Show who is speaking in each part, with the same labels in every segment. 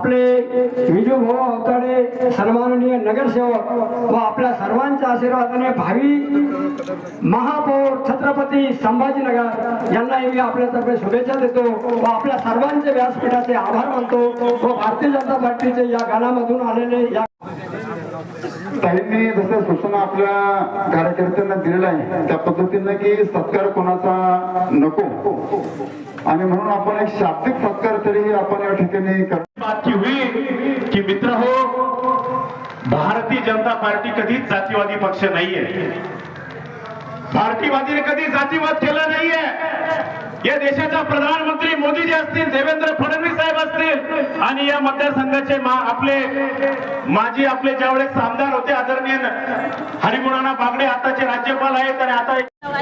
Speaker 1: आपले विजूभाऊ अवताडे सन्माननीय नगरसेवक व आपल्या सर्वांच्या आशीर्वादाने भावी महापौर छत्रपती संभाजीनगर यांना मी आपल्यातर्फे शुभेच्छा देतो व आपल्या सर्वांचे व्यासपीठाचे आभार मानतो व भारतीय जनता पार्टीचे या गाण्यामधून आलेले या
Speaker 2: ताईंनी जसं सूचना आपल्या कार्यकर्त्यांना दिलेल्या आहे त्या पद्धतीने की सत्कार कोणाचा नको आणि म्हणून आपण एक शाब्दिक सत्कार तरी आपण या ठिकाणी
Speaker 3: बात हुई की मित्र हो, भारतीय जनता पार्टी कधीच जातीवादी पक्ष नाहीये. भारतीयवादीने कधी जातीवाद केला नाहीये. या देशाचा प्रधानमंत्री मोदीजी असतील, देवेंद्र फडणवीस साहेब असतील आणि या मतदारसंघाचे माजी आपले ज्यावेळेस आमदार होते आदरणीय हरिगुणाना बागडे आताचे राज्यपाल आहेत आणि आता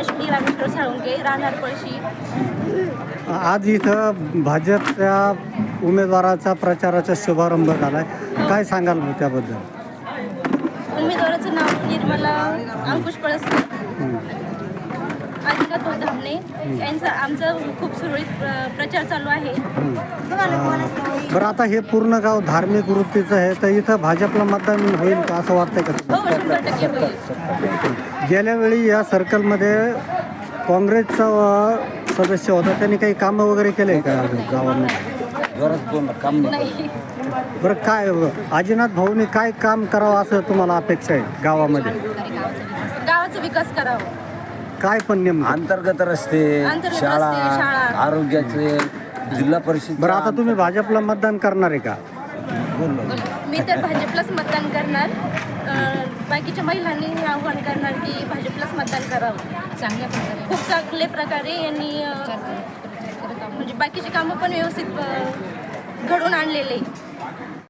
Speaker 4: आज इथं भाजपच्या उमेदवाराचा प्रचाराचा शुभारंभ झालाय, काय सांगाल त्याबद्दल?
Speaker 5: उमेदवाराचं नाव निर्मला अंकुश पळसकर, आदिनाथ धामणे यांचा आमचा खूप सुरळीत प्रचार चालू आहे.
Speaker 4: बरं, आता हे पूर्ण गाव धार्मिक वृत्तीचं आहे, तर इथं भाजपला मतदान होईल का असं वाटतंय का?
Speaker 5: हो, 100% होईल.
Speaker 4: गेल्या वेळी या सर्कलमध्ये काँग्रेसचा सदस्य होता, त्यांनी काही कामं वगैरे केले का गावामध्ये?
Speaker 5: नाही.
Speaker 4: बरं, काय आदिनाथ भाऊनी काय काम करावं असं तुम्हाला अपेक्षा आहे गावामध्ये?
Speaker 5: गावाचा विकास करावा.
Speaker 4: काय पण नेमकं?
Speaker 6: अंतर्गत रस्ते,
Speaker 5: अंतर्गत
Speaker 6: शाळा,
Speaker 5: रस्ते, शाळा.
Speaker 6: आरोग्याचे, जिल्हा परिषद.
Speaker 4: बरं, आता तुम्ही भाजपला मतदान करणार आहे का?
Speaker 5: मी तर भाजपलाच मतदान करणार. बाकीच्या महिलांनी हे आव्हान करणार की भाजपलाच मतदान करावं. चांगल्या प्रकारे, खूप चांगल्या प्रकारे यांनी म्हणजे बाकीची कामं पण व्यवस्थित घडवून आणलेले.